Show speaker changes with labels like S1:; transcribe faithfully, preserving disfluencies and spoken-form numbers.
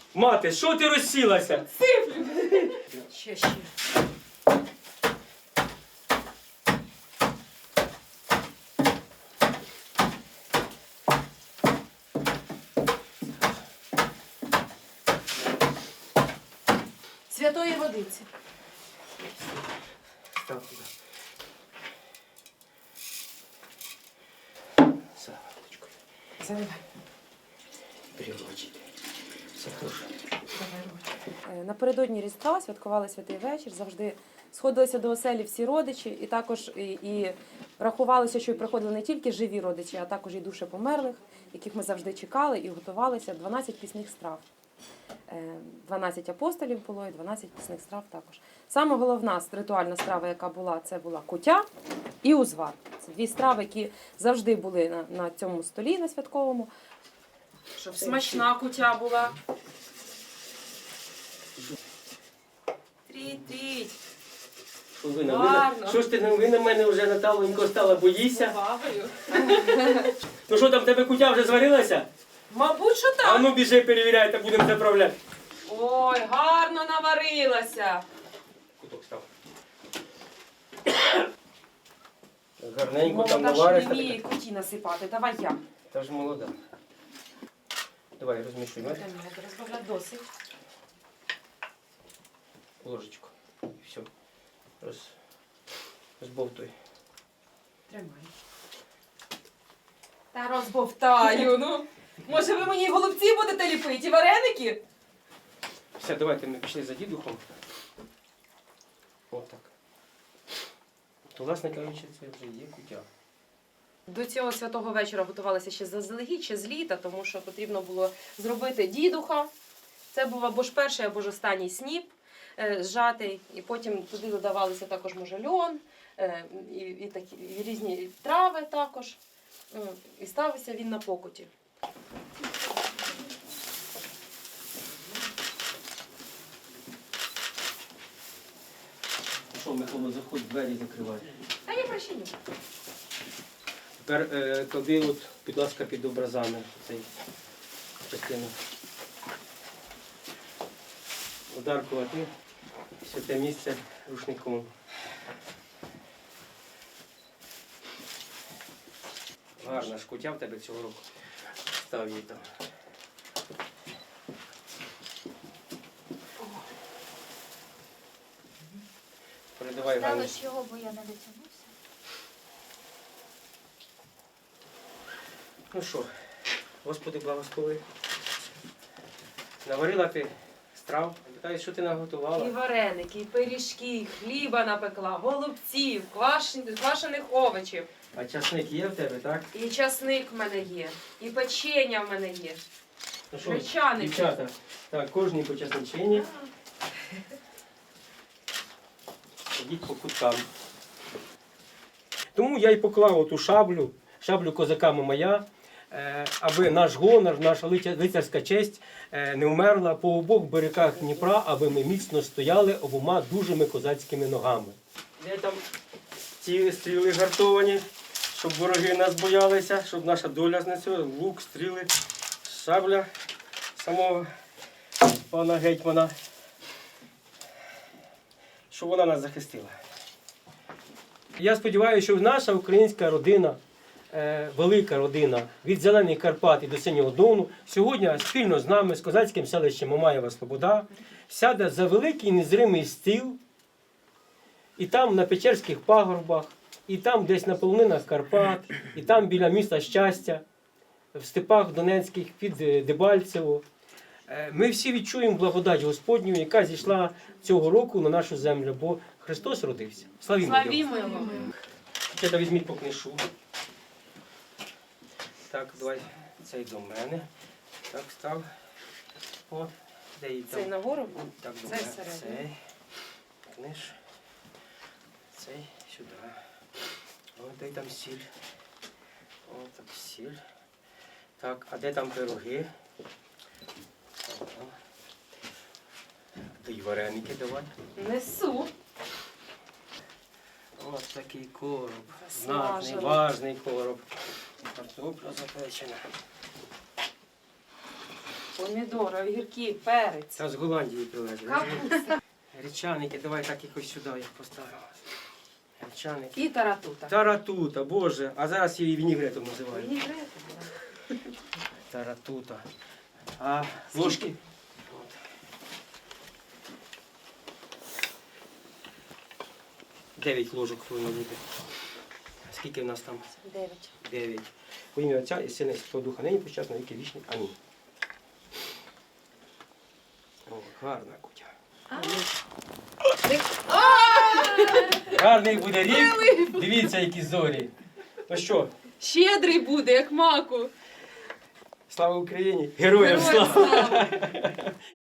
S1: Мати, що ти розсілася?
S2: Сиплю. Ще, ще. Святої водиці.
S1: Став туди. Салаточкою.
S2: Заливай.
S1: Приручити. Все хорошо.
S2: Напередодні Різдва святкували Святий вечір, завжди сходилися до оселі всі родичі, і також і, і рахувалося, що й приходили не тільки живі родичі, а також і душі померлих, яких ми завжди чекали і готувалися. дванадцять пісних страв. дванадцять апостолів було і дванадцять пісних страв також. Саме головна ритуальна страва, яка була, це була куття і узвар. Це дві страви, які завжди були на, на цьому столі, на святковому. Щоб смачна куття була. Тріть-тріть.
S1: Що ви на мене? Що ж ти ви на мене вже, Наталенько, стала, боїшся?
S2: Повагою.
S1: Ну що там, в тебе куття вже зварилася?
S2: Мабуть, що так.
S1: А ну біжи, перевіряй, та будемо заправляти.
S2: Ой, гарно наварилася.
S1: Куток став. Гарненько там
S2: Молода, що
S1: наваришся.
S2: не вміє куті насипати. Давай я.
S1: Та ж молода. Давай, розмішуй.
S2: Давай, розбавляй досить.
S1: Ложечку. І все. Роз... Розбовтуй.
S2: Тримай. Та розбовтаю, ну. Може ви мені голубці будете ліпити і вареники?
S1: Все, давайте ми пішли за дідухом. Отак. То, власне кажучи, це вже є куття.
S2: До цього святого вечора готувалися ще заздалегідь, ще з літа, тому що потрібно було зробити дідуха. Це був або ж перший, або ж останній сніп е, зжатий. І потім туди додавалися також може льон, е, і, і, такі, і різні трави також. Е, і ставився він на покуті.
S1: Що, Микола, заходь, двері закривай.
S2: Та я прощеню.
S1: Тепер е, клади, от, будь ласка, під образами цей частину. Ударкувати святе місце рушником. Гарна ж куття в тебе цього року. Став її там. Передавай Ганні.
S3: Ставиш його, бо я не дотягнуся.
S1: Ну що, Господи, благослови. Наварила ти страв, питаю, що ти наготувала?
S2: І вареники, і пиріжки, і хліба напекла, голубців, квашен- квашених овочів.
S1: А часник є в тебе, так?
S2: І часник в мене є, і печення в мене є.
S1: Ну що,
S2: Гречаники.
S1: дівчата, так, кожній по часничині. Ходіть по куткам. Тому я й поклав оту шаблю, шаблю козака Мамая, е, аби наш гонор, наша лиця- лицарська честь е, не вмерла по обох берегах Дніпра, аби ми міцно стояли обома дужими козацькими ногами. Де там ці стріли гартовані, щоб вороги нас боялися, щоб наша доля знесла, лук, стріли, шабля самого пана гетьмана, щоб вона нас захистила. Я сподіваюся, що наша українська родина, е, велика родина від Зелених Карпат і до Синього Дону сьогодні спільно з нами, з козацьким селищем Мамаєва Слобода, сяде за великий незримий стіл, і там на Печерських пагорбах, і там десь на полонинах Карпат, і там біля міста Щастя, в степах Донецьких під Дебальцево. Е, Ми всі відчуємо благодать Господню, яка зійшла цього року на нашу землю, бо Христос родився. Славімо Його.
S2: Славімо його.
S1: Ще візьміть по книшу. Так, давай цей до мене. Так, став. От, де її там?
S2: Цей нагору?
S1: Так, до
S2: Цей
S1: мене.
S2: всередину.
S1: Цей. Книж. Цей сюди. От, де там сіль. От, так, сіль. Так, а де там пироги? Ага. Та й вареники давай.
S2: Несу.
S1: Ось такий короб.
S2: Засмажений.
S1: Знатний, важний короб. Картопля запечена.
S2: помідори, огірки, перець,
S1: Це з Голландії привезли.
S2: капуста
S1: Речаники, давай так якось сюди їх поставимо. Речаники.
S2: і таратута.
S1: Таратута, боже, а зараз її вінігретом називають.
S2: Вінігрети, да.
S1: Таратута. А ложки? От. Дев'ять ложок повинно бути. Скільки в нас там?
S2: Дев'ять.
S1: Дев'ять. У ім'я Отця і Сина і Святого Духа, нині почасно віки вічні. Амінь. О, гарна кутя. Гарний буде рік. Дивіться, які зорі. Ну що,
S2: Щедрий буде, як маку.
S1: слава Україні! Героям
S2: Героям
S1: слава!
S2: слава!